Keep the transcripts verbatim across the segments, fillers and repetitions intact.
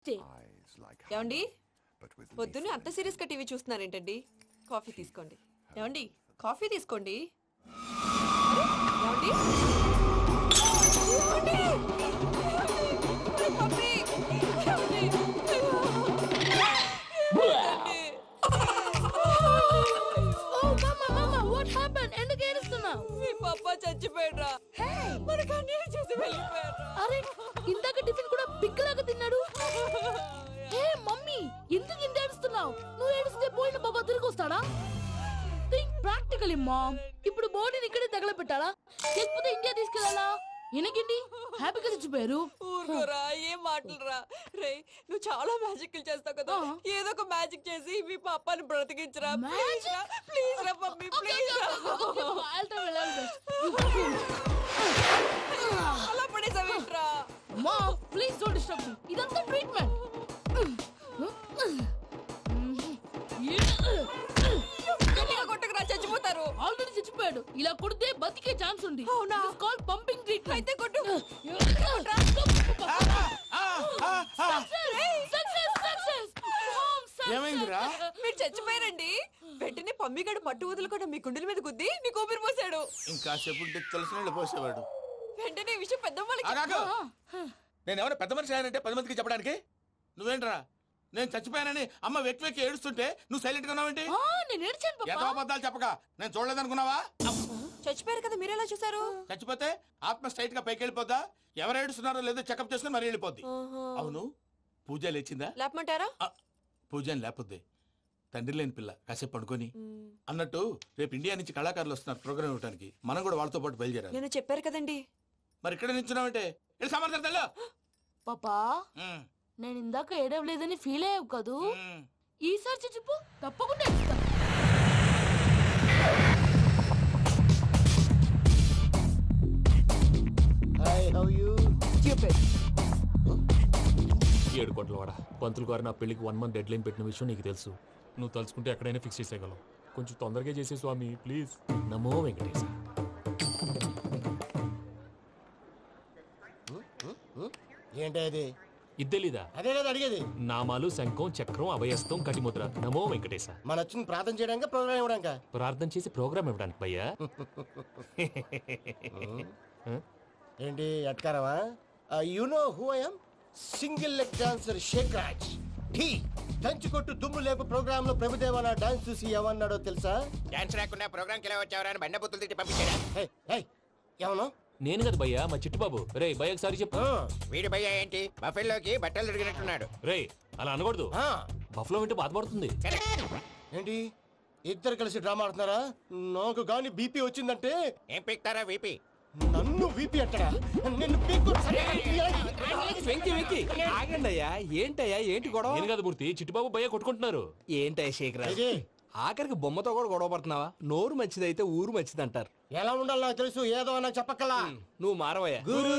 ఏమండి పొద్దున్నే అంత సీరియస్ గా టీవీ చూస్తున్నారేంటండి? కాఫీ తీసుకోండి. ఏమండి కాఫీ తీసుకోండి. ఏమండి? ఏమండి? ఏమండి? పప్పి! ఏమండి? ఏమండి? మీ పప్ప చచ్చిపోయాడ్రా. మనకు అన్యాయం చేసి వెళ్ళిపోయాడ్రా. అరే ఇందాక టిఫిన్ కూడా బిగ్గలాగా తిన్నాడు. ఏ మమ్మీ ఎందుకు ఇంత ఏడుస్తున్నావు? నువ్వు ఏడిస్తే పోయిన బాబా తిరిగి వస్తాడా? Think practically mom. ఇప్పుడు బాడీని ఇక్కడే తగలబెట్టాలా లేకపోతే ఇండియా తీసుకెళ్లాలా? ఎనకండి హ్యాపీగా చచ్చిపోయారు. ఊరుకోరా, ఏం మాటలురా. రే నువ్వు చాలా మ్యాజిక్ చేస్తావు కదా, ఏదో ఒక మ్యాజిక్ చేసి మీ పాపాని బ్రతికించరా. ప్లీజ్ రా, ప్లీజ్ రా మమ్మీ, ప్లీజ్ రా. అలా పడేసావేంట్రా? మా ప్లీజ్ డోంట్ డిస్టర్బ్ మీ. ఇదంతా ట్రీట్మెంట్. కొట్టకురా, చచ్చిపోతారు. ఆల్రెడీ చచ్చిపోయాడు. ఇలా కొడితే బతికే ఛాన్స్ ఉంది. అవునా? Call pumping treatment. అయితే కొట్టు. ఏమైందిరా? మీరు చచ్చిపోయారండి. వెంటనే పమ్మిగాడు పట్టు వదులుకుండా మీ గుండెల మీద గుద్ది మీకు ఊపిరి పోసాడు. ఇంకా సేపు తెలిసిన వాళ్ళు పోసేవాడు. వెంటనే ఈ విషయం పెద్ద నేను ఎవరైనా పెద్ద మనిషి ఆయనంటే పది మందికి చెప్పడానికి నువ్వేంట్రా? నేను చచ్చిపోయానని అమ్మ వెక్కి వెక్కి ఏడుస్తుంటే నువ్వు సైలెంట్ గా ఉన్నావేంటి? నేను ఏడ్చాను పాపా. ఎంతో అబద్ధాలు చెప్పక నేను చూడలేదనుకున్నావా? చచ్చిపోయారు కదా, మీరెలా చూసారు? చచ్చిపోతే ఆత్మ స్ట్రైట్ గా పైకి వెళ్ళిపోద్దా? ఎవరు ఏడుస్తున్నారో లేదో చెకప్ చేసుకుని మరీ వెళ్ళిపోద్ది. అవును, పూజ లేచిందా? లేపమంటారా? పూజ లేకపోద్ది. తండ్రి లేని పిల్ల కాసేపు పడుకొని. అన్నట్టు రేపు ఇండియా నుంచి కళాకారులు వస్తున్నారు ప్రోగ్రామ్ ఇవ్వడానికి. మనం కూడా వాళ్ళతో పాటు బయలుదేరాలి. నేను చెప్పారు కదండి. మరి ఇక్కడ నించున్నావంటే సమాధానం. పాపా నేను ఇందాక ఏడవలేదని ఫీల్ అయ్యావు కదూ? ఈసారి చచ్చిపో, తప్పకుండా ఇస్తా. ఏడు కోట్ల వాడ పంతులు గారు నా పెళ్లికి వన్ మంత్ డెడ్ లైన్ పెట్టిన విషయం నీకు తెలుసు. నువ్వు తలుచుకుంటే ఎక్కడైనా ఫిక్స్ చేసేయగలవు. కొంచెం తొందరగా చేసే స్వామి ప్లీజ్. నమో వెంకటేశ. ఏంటి అది? ఇద్దెలీదా? అదే కదా అడిగేది. నామాలు శంఖం చక్రం అభయస్తం కటిముద్ర. నమో వెంకటేశ. మన వచ్చింది ప్రార్థన చేయడానికి ప్రోగ్రామ్ ఇవ్వడానిక? ప్రార్థన చేసి ప్రోగ్రామ్ ఇవ్వడానికి భయ్యా. ఏంటి అట్కారమా? You know who I am? Single leg dancer Shaik Raj. ఠీ దంచి కొట్టు దుమ్ము లేపు ప్రోగ్రామ్ లో ప్రభుదేవ నా డాన్స్ చూసి ఏమన్నాడో తెలుసా? డాన్స్ రాకుండా ప్రోగ్రామ్ కి ఎలా వచ్చావరా అని బండ బుద్ధులు తిట్టి పంపించాడా? ఏమను? నేను కదా భయ్యా, మా చిట్టుబాబు. రే భయ్య ఒకసారి చెప్పు. వీడి భయ్య ఏంటి బఫెల్లోకి బట్టలు తిరిగినట్టున్నాడు. రే అలా అనకూడదు. బఫ్లో వింటే బాధపడుతుంది. ఏంటి ఇద్దరు కలిసి డ్రామా ఆడుతున్నారా? నాకు గాని బీపీ వచ్చిందంటే ఏం పీక్తారా వీపీ? నన్ను వీపీ అంటారా? నిన్ను పీక్కు. వెంకి వెంకి ఆగండి అయ్యా. ఏంటయ్యా ఏంటి గొడవ? నేను కదా మూర్తి, చిట్టుబాబు భయ్య కొట్టుకుంటున్నారు. ఏంటయ్యా శేఖరా, ఆఖరికి బొమ్మతో కూడా గొడవ పడుతున్నావా? నోరు మంచిదైతే ఊరు మంచిది అంటారు. ఎలా ఉండాలి నాకు తెలుసు, ఏదో నాకు చెప్పక్కలా. నువ్వు మారవయ్యా.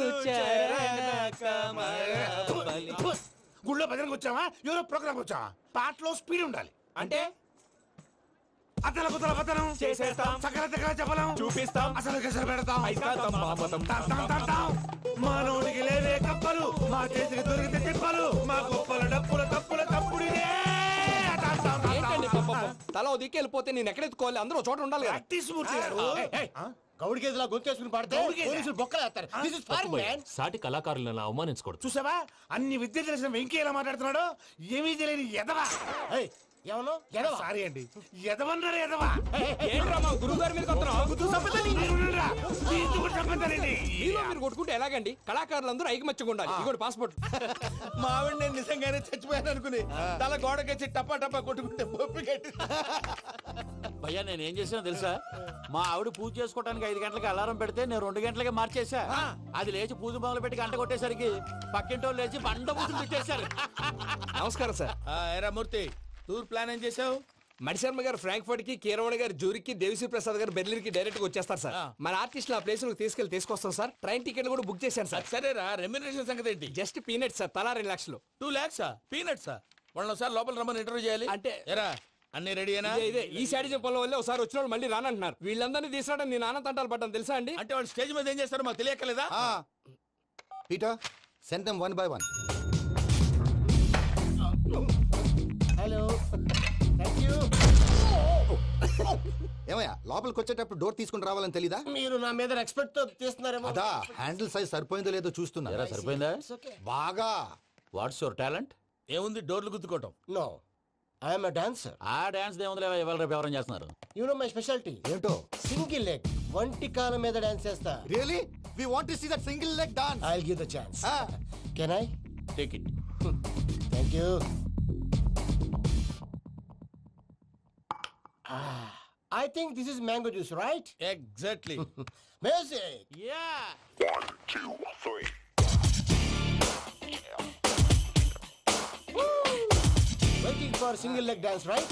గుళ్ళో భజనకు వచ్చావా? ఎవరో ప్రోగ్రామ్ వచ్చావా? పాటలో స్పీడ్ ఉండాలి. అంటే అతల కుతల పతనం చేసేస్తాం, సకల దగ్గర చెప్పలేం, చూపిస్తాం, అసలు గసలు పెడతాం. అయితాం, మాపతం. మానవుడికి లేవే కప్పలు, మా చేతికి దొరికితే తిప్పలు, మా గొప్పల డప్పుల తప్పుల తప్పుడిదే. ఏంటండి పాపం? తల ఓ దిక్కు వెళ్ళిపోతే నేను ఎక్కడెత్తుకోవాలి? అందరూ చోట ఉండాలి కదా. గౌడి గేదెలా గొంతేసుకుని పాడితే పోలీసులు బొక్కలేస్తారు. This is foreign, man. సాటి కళాకారులను అవమానించకూడదు. చూసావా అన్ని విద్య తెలిసిన వెంకీ ఎలా మాట్లాడుతున్నాడు? ఏమీ తెలియని ఎదవా. ఏమను ఎదవా? సారీ అండి, ఎదవన్నారు ఎదవా. ఏంట్రా మా గురువు గారి మీద మీరు కొట్టుకుంటే ఎలాగండి? కళాకారులందరూ ఐకమత్యంగా ఉండాలి. ఇగోటి పాస్పోర్ట్. మా ఆవిడ నేను నిజంగానే చచ్చిపోయాను అనుకుని తల గోడకొచ్చి టపా టపా కొట్టుకుంటే బొప్పి కట్టి. భయ్యా నేను ఏం చేసినా తెలుసా? మా ఆవిడ పూజ చేసుకోవడానికి ఐదు గంటలకి అలారం పెడితే నేను రెండు గంటలకి మార్చేసా. అది లేచి పూజ మొదలు పెట్టి గంట కొట్టేసరికి పక్కింటి వాళ్ళు లేచి బండ పూజలు పెట్టేశారు. నమస్కారం సార్. ఏరా మూర్తి, టూర్ ప్లాన్ ఏం చేసావు? మణిశర్మ గారు ఫ్రాంక్ఫర్ట్ కి, కీరవాణి గారు జూరిక్ కి, దేవిశ్రీ ప్రసాద్ గారు బెర్లిన్ కి డైరెక్ట్ గా వచ్చేస్తారు సార్. మన ఆర్టిస్ట్ ఆ ప్లేస్ తీసుకెళ్లి తీసుకొస్తాం సార్. ట్రైన్ టికెట్ కూడా బుక్ చేశాను సార్. సరేరా, రెమ్యూనరేషన్ సంగతి ఏంటి? జస్ట్ పీనట్ సార్, తలా రెండు లక్షలు. టూ లాక్సా? పీనట్సా? వాళ్ళని ఒకసారి లోపల రమ్మని ఇంటర్వ్యూ చేయాలి. అంటే ఎరా అన్ని రెడీనా? ఇదే ఈ సైడ్ చెప్పడం వల్ల ఒకసారి వచ్చిన వాళ్ళు మళ్ళీ రానంటున్నారు. వీళ్ళందరినీ తీసుకురావడం నేను నాన్న తంటాలు పడ్డాను తెలుసా అండి? అంటే వాళ్ళు స్టేజ్ మీద ఏం చేస్తారో మాకు తెలియక్కలేదా? Peter send them one by one. ఏమయ్యా లోపలికి వచ్చేటప్పుడు డోర్ తీసుకుని రావాలని తెలీదా? మీరు నా మీద ఎక్స్పెక్ట్ తో తీస్తున్నారేమో. అదా హ్యాండిల్ సైజ్ సరిపోయిందో లేదో చూస్తున్నా. ఎరా సరిపోయిందా? బాగా. What's your talent? ఏముంది డోర్లు గుద్దుకోవటం. No, I'm dancer. ఆ డాన్స్ దేవుందిలే, ఇవాళ రేపు ఎవరైనా చేస్తున్నారు. యు నో మై స్పెషాలిటీ ఏంటో? సింగిల్ లెగ్, వంటి కాలం మీద డాన్స్ చేస్తా. Really we want to see that single leg dance. I will give the chance. Can I? Take it. Thank you. I think this is mango juice, right? Exactly. Music. Yeah. Waiting for single leg dance, right?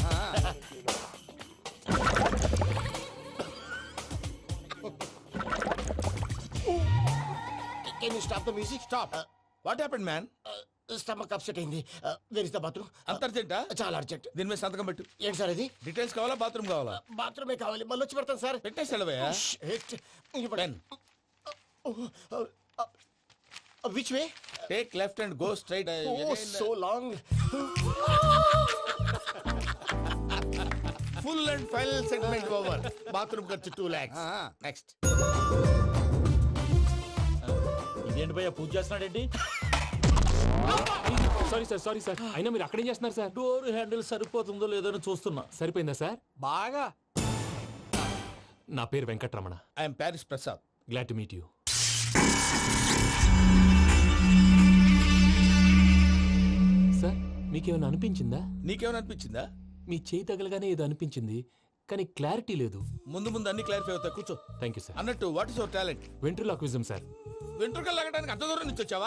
Can you stop the music? Stop. Uh, what happened man? uh, stomach upset అయింది. Where is the bathroom? అంత అర్జెంటా? చాలా urgent. దీని మీద సంతకం పెట్టు. ఏంటి sir ఇది? డీటెయిల్స్ కావాలా బాత్రూమ్ కావాలా? బాత్రూమే కావాలి, మళ్ళీ వచ్చి పెడతాను సార్. పెట్టేసి వెళ్ళవయ్యా. Pen. Which way? Take left and go straight. Oh so long. Full and final segment over. Bathroom ఖర్చు టూ లాక్స్. నెక్స్ట్. ఇదేంటి భయ్యా పూజ చేస్తున్నాడేంటి? సారీ సార్ సారీ సార్ అయినా మీరు అక్కడేం చేస్తున్నారు సార్? డోర్ హ్యాండిల్ సరిపోతుందో లేదో అని చూస్తున్నా. సరిపోయిందా సార్? బాగా. నా పేరు Venkatramana. I'm Paris Prasad. Glad to meet you. Sir మీకేమైనా అనిపించిందా? నీకేమైనా అనిపించిందా? మీ చేయి తగలగానే ఏదో అనిపించింది, కానీ క్లారిటీ లేదు. ముందు ముందు అన్ని క్లారిఫై అవుతాయి, కూర్చో. Thank you sir. అన్నట్టు what is your talent? Ventriloquism sir. వెంట్రుకలు లాగడానికి అంత దూరం నుంచి వచ్చావా?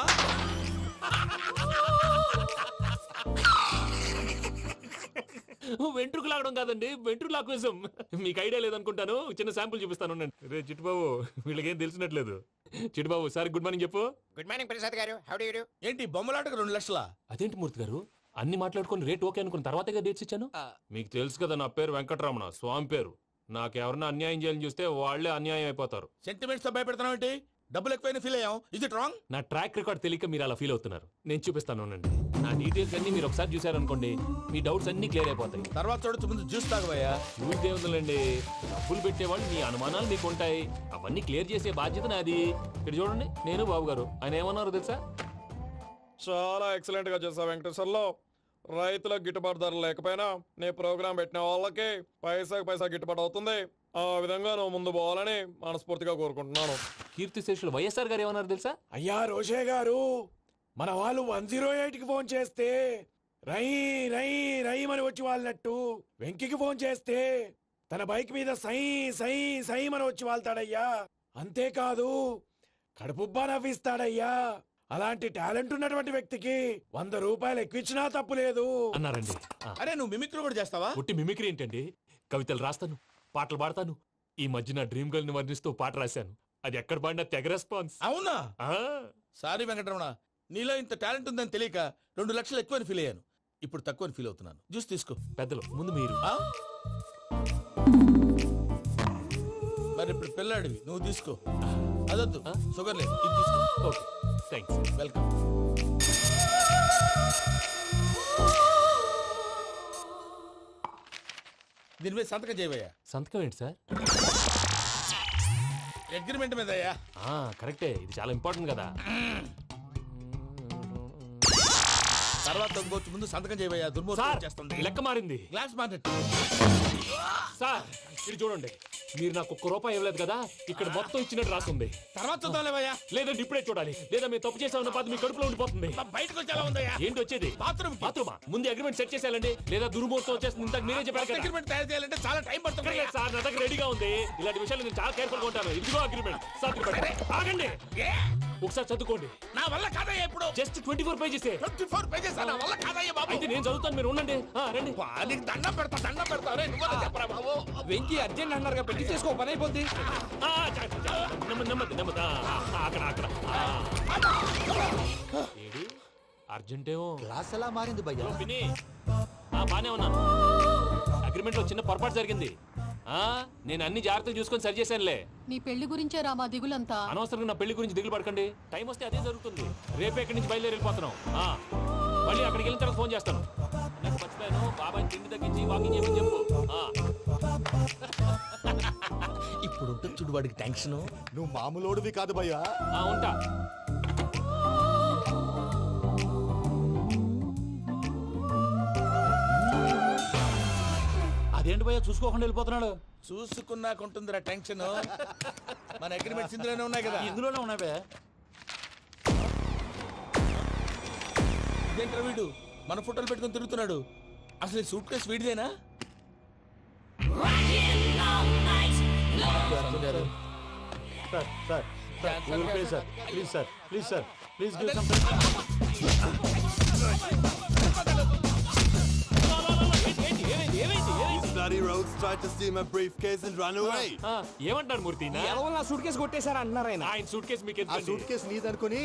వెంట్రుకు లాగడం కాదండి, వెంట్రులాక్విజం. మీకు ఐడియా లేదనుకుంటాను, చిన్న శాంపుల్ చూపిస్తాను. రే చిట్టుబాబు, వీళ్ళకేం తెలిసినట్లేదు. చిట్టుబాబు సార్ గుడ్ మార్నింగ్ చెప్పు. Good morning Prasad garu. How do you do? ఏంటి బొమ్మలాటకు రెండు లక్షలా? అదేంటి మూర్తి గారు, అన్ని మాట్లాడుకొని రేట్ ఓకే అనుకున్న తర్వాతగా డేట్స్ ఇచ్చాను. మీకు తెలుసు కదా నా పేరు వెంకటరమణ, స్వామి పేరు. నాకెవరన్నా అన్యాయం చేయాలని చూస్తే వాళ్లే అన్యాయం అయిపోతారు. సెంటిమెంట్స్ తో భయపెడతావు ఏంటి? డబ్బులు ఎక్కువైనా ఫీల్ అయ్యాం. Is it wrong? నా ట్రాక్ రికార్డ్ తెలియక మీరు అలా ఫీల్ అవుతున్నారు. నేను చూపిస్తాను ఉండండి. నా డీటెయిల్స్ అన్ని మీరు ఒకసారి చూసారనుకోండి, మీ డౌట్స్ అన్ని క్లియర్ అయిపోతాయి. తర్వాత చూడొచ్చు, ముందు జ్యూస్ తాగబోయా. చూస్ దేవుందండి, డబ్బులు పెట్టేవాళ్ళు మీ అనుమానాలు మీకు ఉంటాయి, అవన్నీ క్లియర్ చేసే బాధ్యత నాది. ఇక్కడ చూడండి, నేను బాబు గారు. ఆయన ఏమన్నారు తెలుసా? చాలా ఎక్సలెంట్ గా చేసావు వెంకటేశ్వర్లో. రైతులకు గిట్టుబాటు ధర లేకపోయినా నీ ప్రోగ్రాం పెట్టిన వాళ్ళకి పైసాకి పైసా గిట్టుబాటు అవుతుంది. ఆ విధంగా నువ్వు ముందు పోవాలని మనస్ఫూర్తిగా కోరుకుంటున్నాను. కీర్తి శేషులు వైఎస్ఆర్ గారు ఏమన్నారు తెలుసా? అయ్యా రోషే గారు, మన వాళ్ళు వన్ జీరో ఎయిట్ కి ఫోన్ చేస్తే రై రై రై అని వచ్చి వాళ్ళనట్టు, వెంకికి ఫోన్ చేస్తే తన బైక్ మీద సై సై సై అని వచ్చి వాళ్తాడయ్యా. అంతేకాదు కడుపుబ్బా నవ్విస్తాడయ్యా. అలాంటి టాలెంట్ ఉన్నటువంటి వ్యక్తికి వంద రూపాయలు ఎక్కువచ్చినా తప్పు లేదు అన్నారండి. ఆ, అరే నువ్వు మిమిక్రీ కూడా చేస్తావా? ఒట్టి మిమిక్రీ ఏంటండి, కవితలు రాస్తాను, పాటలు పాడతాను. ఈ మధ్య నా డ్రీమ్ గర్ల్ ని వర్ణిస్తూ పాట రాశాను. అది ఎక్కడ పాడినా తెగ రెస్పాన్స్. అవునా? ఆ, సారీ వెంకటరమణ, నీలో ఇంత టాలెంట్ ఉందని తెలియక రెండు లక్షలు ఎక్కువని ఫీల్ అయ్యాను. ఇప్పుడు తక్కువని ఫీల్ అవుతున్నాను. జ్యూస్ తీసుకో. పెద్దలు ముందు మీరు. ఆ? మరి ఇప్పుడు పిల్లాడివి, నువ్వు తీసుకో. అదొద్దు, షుగర్ లేదు, ఇది తీసుకో. Okay thanks. వెల్కమ్. దీని మీద సంతకం చేయవయ్యా. సంతకం ఏంటి సార్? అగ్రిమెంట్ మీద అయ్యా. ఆ, కరెక్టే, ఇది చాలా ఇంపార్టెంట్ కదా. తర్వాత ఇంకొచ్చి ముందు సంతకం చేయవయ్యా. సార్ దుర్మోహం చేస్తుంది. లెక్క మారింది. Glass market. సార్ ఇది చూడండి, మీరు నాకు ఒక్క రూపాయి ఇవ్వలేదు కదా, ఇక్కడ మొత్తం ఇచ్చినట్టు రాస్తుంది. తర్వాత చూద్దాంలేవయ్యా. లేదంటే ఇప్పుడే చూడాలి, లేదా మీరు తప్పు చేసామన్న బాధ మీ కడుపులో ఉండిపోతుంది. బయటకు వచ్చేలా ఉందయ్యా. ఏంటి వచ్చేది? బాత్రూమ్ బాత్రూమా? ముందు అగ్రిమెంట్ సెట్ చేసేయాలండి, లేదా దుర్మూర్తం వచ్చేస్తుంది. ఇంతకు మీరే చెప్పారు కదా. అగ్రిమెంట్ తయారు చేయాలంటే చాలా టైం పడుతుంది. లేదు సార్, నా దగ్గర రెడీగా ఉంది. ఇలాంటి విషయాలు నేను చాలా కేర్ఫుల్ గా ఉంటాను. ఇదిగో అగ్రిమెంట్. ఆగండి, ఒకసారి చదువుకోండి. నా వల్ల కాదయ్యా. ఇప్పుడు just twenty four pages. Twenty four pages నా వల్ల కాదయ్యా బాబు. అయితే నేను చదువుతాను, మీరు ఉండండి. ఆ, రండి. నీకు దండం పెడతా, దండం పెడతా. రే నువ్వు చెప్పరా బాబు. వెంకీ అర్జెంట్ అన్నారుగా, పెళ్లి చేసుకో, పని అయిపోద్ది. ఆ, చ- చ- చ- నెమ్మది నెమ్మది నెమ్మది. ఆ, ఆ, అక్కడ అక్కడ. ఆ. ఏడి అర్జెంటేమో. క్లాస్ ఎలా మారింది భయ్యా? హలో పిన్ని. ఆ, బానే ఉన్నాను. అగ్రిమెంట్ లో చిన్న పొరపాటు జరిగింది. ఆ, నేను అన్ని జాగ్రత్తలు చూసుకొని సరి చేశానులే. నీ పెళ్లి గురించే రా మా దిగులంతా. అనవసరంగా నా పెళ్లి గురించి దిగులు పడకండి. టైం వస్తే అదే జరుగుతుంది. రేపే ఇక్కడి నుంచి బయలుదేరి వెళ్ళిపోతున్నాం. ఆ. మళ్ళీ అక్కడికి వెళ్ళిన తర్వాత ఫోన్ చేస్తాను. నాకు మర్చిపోయాను, బాబాయ్ తిండి తగ్గించి వాకింగ్ చేయమని చెప్పు. ఆ. ఇప్పుడు ఉంటుంది చూడు వాడికి టెన్షన్. నువ్వు మామూలోడివి కాదు భయ్యా. ఆ, ఉంటా. అదేంటి భయ్యా చూసుకోకుండా వెళ్ళిపోతున్నాడు? చూసుకున్నాకుంటుందిరా టెన్షన్. మన అగ్రిమెంట్స్ ఇందులోనే ఉన్నాయి కదా. ఇందులోనే ఉన్నాయి భయ్యా. ఇదేంట్రా వీడు మన ఫోటోలు పెట్టుకొని తిరుగుతున్నాడు? అసలు ఈ సూట్ కేసు వీడిదేనా? సార్ సార్ సార్ ఊరికే sir please sir please sir please give some. These bloody rogues tried to steal my briefcase and run away. ఆ, ఏమంటారు మూర్తి? నా నా సూట్ కేసు కొట్టేశారు అంటున్నారు ఆయన. ఆయన సూట్ కేసు మీకు ఆ సూట్ కేసు నీదనుకుని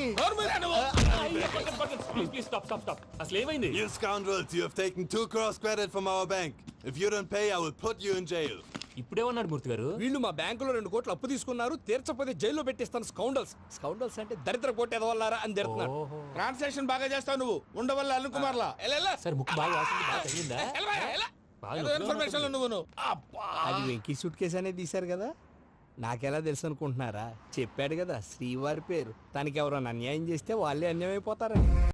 please please stop stop stop. అసలు ఏమైంది? You scoundrels, you have taken two crores credit from our bank. If you don't pay, I will put you in jail. ఇప్పుడేమన్నాడు మూర్తి గారు? వీళ్ళు మా బ్యాంకులో రెండు కోట్లు అప్పు తీసుకున్నారు, తీర్చకపోతే జైల్లో పెట్టిస్తాను. స్కౌండల్స్ స్కౌండల్స్ అంటే దరిద్ర కోట ఎదవల్లారా అని తిడుతున్నారు. ట్రాన్సాక్షన్ బాగా చేస్తావు నువ్వు. ఉండవల్ల అరుణ్ కుమార్ లా సార్ ముక్కు బాగా వాసింది, బాగా తగిలిందా? బాగా నొప్పిగా ఇన్ఫర్మేషన్ నువ్వు నువ్వు అది వెంకీ సూట్ కేసు అనేది తీశారు కదా, నాకెలా తెలుసు అనుకుంటున్నారా? చెప్పాడు కదా శ్రీవారి పేరు. తనకి ఎవరైనా అన్యాయం చేస్తే వాళ్ళే అన్యాయం అయిపోతారని.